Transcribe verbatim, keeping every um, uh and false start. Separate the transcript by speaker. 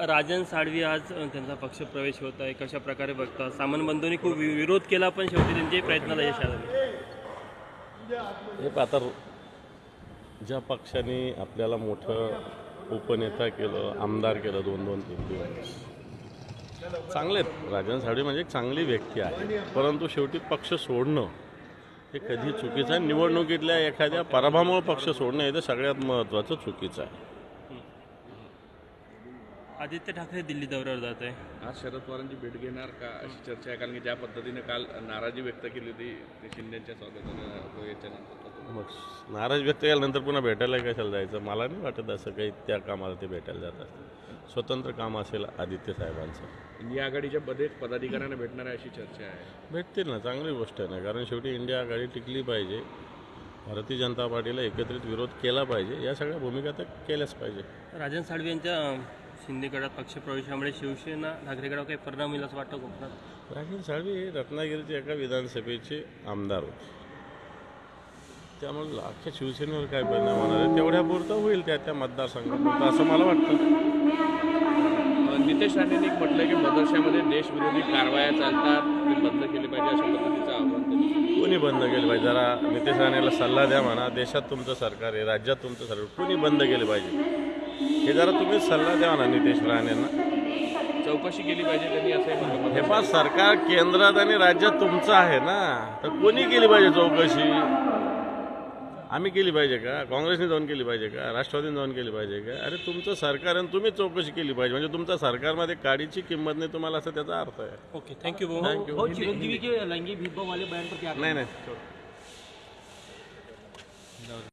Speaker 1: राजन साळवी आज त्यांचा पक्ष प्रवेश होत आहे, कशा प्रकारे बघता? सामंत बंधूंनी खूप विरोध केला पण शेवटी त्यांचे प्रयत्नाला यश आलं.
Speaker 2: हे आता ज्या पक्षाने आपल्याला मोठं उपनेता केलं, आमदार केलं दोन दोन तीन दिवस, चांगले आहेत. राजन साळवी म्हणजे एक चांगली व्यक्ती आहे, परंतु शेवटी पक्ष सोडणं हे कधी चुकीचं आहे. निवडणुकीतल्या एखाद्या पराभवामुळे पक्ष सोडणं हे तर सगळ्यात महत्त्वाचं चुकीचं आहे.
Speaker 1: आदित्य ठाकरे दिल्ली दौऱ्यावर जात आहे,
Speaker 3: आज शरद पवारांची भेट घेणार का अशी चर्चा आहे, कारण की ज्या पद्धतीने काल नाराजी व्यक्त केली होती ते शिंदेच्या स्वागतानं याच्यानंतर.
Speaker 2: मग नाराज व्यक्त केल्यानंतर पुन्हा भेटायला कशाला जायचं? मला नाही वाटत असं काही त्या कामाला ते भेटायला जातात. स्वतंत्र काम असेल आदित्य साहेबांचं.
Speaker 3: इंडिया आघाडीच्या मध्ये पदाधिकाऱ्यांना भेटणार आहे अशी चर्चा आहे.
Speaker 2: भेटतील ना, चांगली गोष्ट आहे ना, कारण शेवटी इंडिया आघाडी टिकली पाहिजे. भारतीय जनता पार्टीला एकत्रित विरोध केला पाहिजे, या सगळ्या भूमिका तर केल्याच पाहिजे.
Speaker 1: राजन साळवी यांच्या शिंदे गटात पक्षप्रवेशामुळे शिवसेना ठाकरे गटावर काही परिणाम होईल असं वाटतं कोकणात?
Speaker 2: राजन साळवी हे रत्नागिरीचे एका विधानसभेचे आमदार होते, त्यामुळे अख्ख्या शिवसेनेवर काय परिणाम होणार आहे तेवढ्यापुरतं होईल त्या त्या मतदारसंघापुरतं असं मला वाटतं.
Speaker 3: नितेश राणेंनी म्हटलं की मदरशामध्ये देशविरोधी कारवाया चालतात, ते बंद केले पाहिजे अशा पद्धतीचं आव्हान त्यांनी.
Speaker 2: कोणी बंद केलं पाहिजे? जरा नितेश राणेला सल्ला द्या म्हणा. देशात तुमचं सरकार आहे, राज्यात तुमचं सरकार, कोणी बंद केले पाहिजे हे जरा तुम्ही सल्ला द्या म्हणा नितेश राणेंना.
Speaker 3: चौकशी केली पाहिजे त्यांनी असं म्हटलं.
Speaker 2: हे पाच सरकार केंद्रात आणि राज्यात तुमचं आहे ना, तर कोणी केली पाहिजे चौकशी? आम्ही केली पाहिजे का? काँग्रेसने जाऊन केली पाहिजे का? राष्ट्रवादीने जाऊन केली पाहिजे का? अरे तुमचं सरकार आहे, तुम्ही चौकशी केली पाहिजे. म्हणजे तुमच्या सरकारमध्ये काडीची किंमत नाही तुम्हाला, असं त्याचा अर्थ आहे.
Speaker 1: Okay, thank you.
Speaker 2: थँक्यू.
Speaker 1: चिरंजीवी के लैंगिक भेदभाव वाले बयान पर क्या
Speaker 2: नाही नाही